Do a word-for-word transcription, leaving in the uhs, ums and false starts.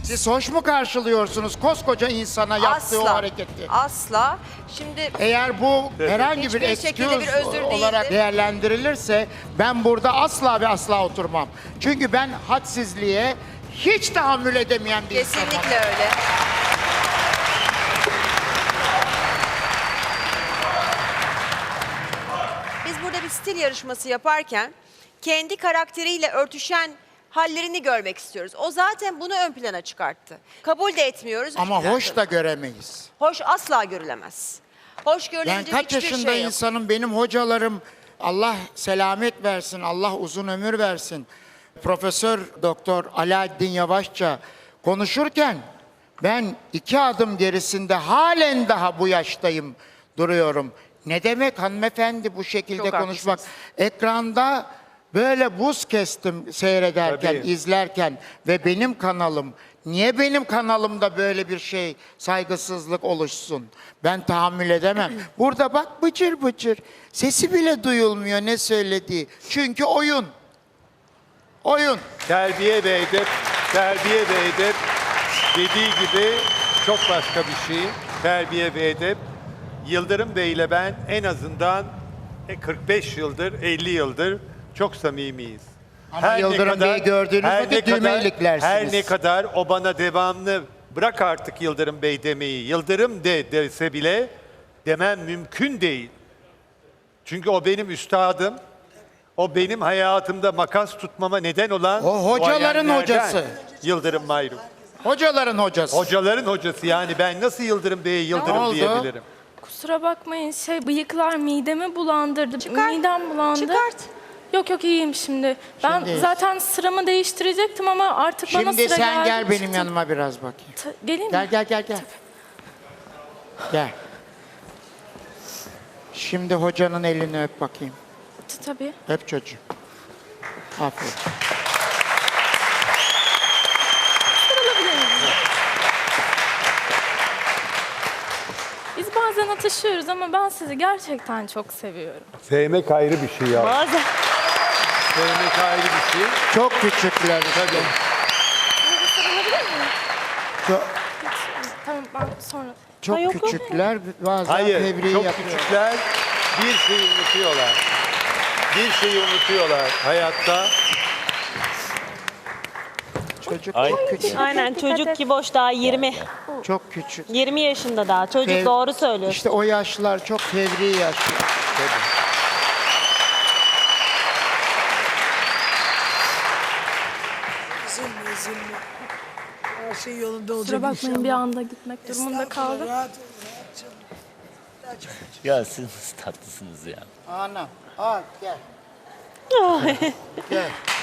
Siz hoş mu karşılıyorsunuz koskoca insana yaptığı o Asla. hareketi? Asla. Şimdi Eğer bu herhangi bir Hiçbir şekilde bir excuse özür olarak değildir. değerlendirilirse ben burada asla ve asla oturmam. Çünkü ben hadsizliğe hiç tahammül edemeyen bir insanım. kesinlikle öyle. Biz burada bir stil yarışması yaparken kendi karakteriyle örtüşen hallerini görmek istiyoruz. O zaten bunu ön plana çıkarttı. Kabul de etmiyoruz. Ama hoş da göremeyiz. Hoş asla görülemez. Hoş Ben görülecek kaç hiçbir yaşında şey yok. insanım, benim hocalarım, Allah selamet versin, Allah uzun ömür versin. Profesör Doktor Alaaddin Yavaşça konuşurken ben iki adım gerisinde halen daha bu yaştayım duruyorum. Ne demek hanımefendi bu şekilde Çok konuşmak? haklısınız. Ekranda böyle buz kestim seyrederken, Tabii. izlerken ve benim kanalım. Niye benim kanalımda böyle bir şey, saygısızlık oluşsun? Ben tahammül edemem. Burada bak bıcır bıcır. Sesi bile duyulmuyor ne söylediği. Çünkü oyun. Oyun. Terbiye ve edep, terbiye ve edep dediği gibi çok başka bir şey. Terbiye ve edep. Yıldırım Bey ile ben en azından kırk beş yıldır, elli yıldır çok samimiyiz. Ama Yıldırım Bey'i gördüğünüz her vakit ne kadar- düğmeyliklersiniz. Her ne kadar o bana devamlı bırak artık Yıldırım Bey demeyi, Yıldırım de dese bile demem mümkün değil. Çünkü o benim üstadım. O benim hayatımda makas tutmama neden olan O hocaların duayenlerden hocası. Yıldırım Mayruk. Hocaların hocası. Hocaların hocası, yani ben nasıl Yıldırım Bey'e Ne Yıldırım oldu? diyebilirim? Kusura bakmayın, şey bıyıklar midemi bulandırdı. Çıkar, Midem bulandı. çıkart. Yok yok, iyiyim şimdi. Ben Şimdi- zaten sıramı değiştirecektim ama artık bana Şimdi sıra sen geldi. gel benim çıktı. yanıma biraz bakayım. Ta- geleyim Gel mi? gel gel gel. Gel. Şimdi hocanın elini öp bakayım. T- Tabii. Öp çocuğum. Aferin. Sarılabilir miyiz? Biz bazen atışıyoruz ama ben sizi gerçekten çok seviyorum. Sevmek ayrı bir şey ya. Bazen. Sevmek ayrı bir şey. Çok küçükler. Tabii. Size sarılabilir miyim? Çok, Tamam, ben sonra. çok Ha, yok, yok. küçükler bazen Hayır, fevri çok yapıyor. küçükler bir şeyi unutuyorlar. Bir şeyi unutuyorlar hayatta. Çocuk Ay. çok küçük. Aynen, Dikkat çocuk et. ki boş, daha yirmi. Çok küçük. yirmi yaşında daha. Çocuk, Fev- doğru söylüyorsun. İşte o yaşlar çok fevri yaşlar. Üzülme, üzülme. Her şey yolunda olacak Kusura bakmayın, inşallah. bir anda gitmek durumunda Estağfurullah, kaldım. rahat ol, rahat canım. Daha çok Ya siz tatlısınız ya. Anam al gel. Gel.